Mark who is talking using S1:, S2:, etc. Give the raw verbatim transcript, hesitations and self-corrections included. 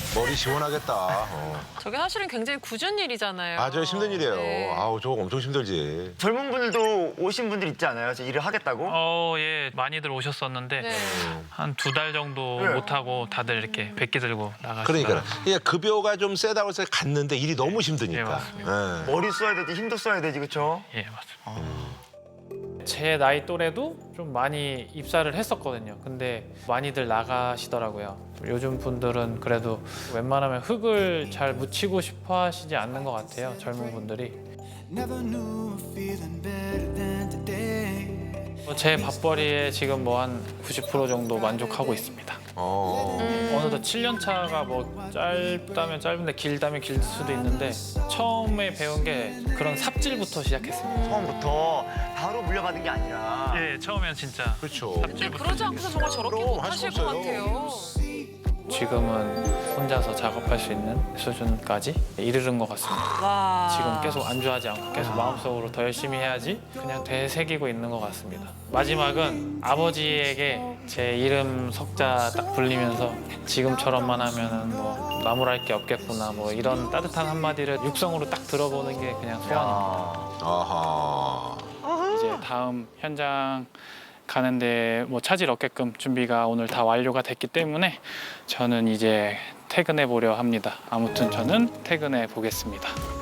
S1: 머리 시원하겠다. 어.
S2: 저게 사실은 굉장히 굳은 일이잖아요.
S1: 맞아요, 힘든 일이에요.
S2: 네.
S1: 아우, 저거 엄청 힘들지.
S3: 젊은 분들도 오신 분들 있지 않아요? 저 일을 하겠다고?
S4: 어, 예, 많이들 오셨었는데
S2: 네.
S4: 한 두 달 정도
S3: 네.
S4: 못 하고 다들 이렇게 백기 들고 나가시더라고요.
S1: 그러니까 이게 급여가 좀 세다고 해서 갔는데 일이 너무
S4: 예,
S1: 힘드니까.
S4: 맞습니다.
S1: 예.
S3: 머리 써야 되지, 힘도 써야 되지, 그렇죠?
S4: 예, 맞습니다.
S5: 제 나이 또래도 좀 많이 입사를 했었거든요. 근데 많이들 나가시더라고요. 요즘 분들은 그래도 웬만하면 흙을 잘 묻히고 싶어 하시지 않는 것 같아요. 젊은 분들이. 제 밥벌이에 지금 뭐 한 구십 퍼센트 정도 만족하고 있습니다.
S1: 어.
S5: 어느덧 칠 년 차가 뭐 짧다면 짧은데 길다면 길 수도 있는데 처음에 배운 게 그런 삽질부터 시작했습니다.
S3: 처음부터 바로 물려받은 게 아니라.
S4: 예, 처음엔 진짜
S1: 그렇죠.
S2: 근데 그러지 않고서 정말 저렇게
S1: 그럼
S2: 못
S1: 할수
S2: 하실 것
S1: 없어요.
S2: 같아요.
S5: 지금은 혼자서 작업할 수 있는 수준까지 이르는 것 같습니다.
S2: 와.
S5: 지금 계속 안주하지 않고 계속 마음속으로 더 열심히 해야지 그냥 되새기고 있는 것 같습니다. 마지막은 아버지에게 제 이름 석자 딱 불리면서 지금처럼만 하면은 뭐 나무랄 게 없겠구나 뭐 이런 따뜻한 한마디를 육성으로 딱 들어보는 게 그냥 소원입니다.
S3: 아.
S1: 아하.
S5: 이제 다음 현장 가는데 뭐 차질 없게끔 준비가 오늘 다 완료가 됐기 때문에 저는 이제 퇴근해 보려 합니다. 아무튼 저는 퇴근해 보겠습니다.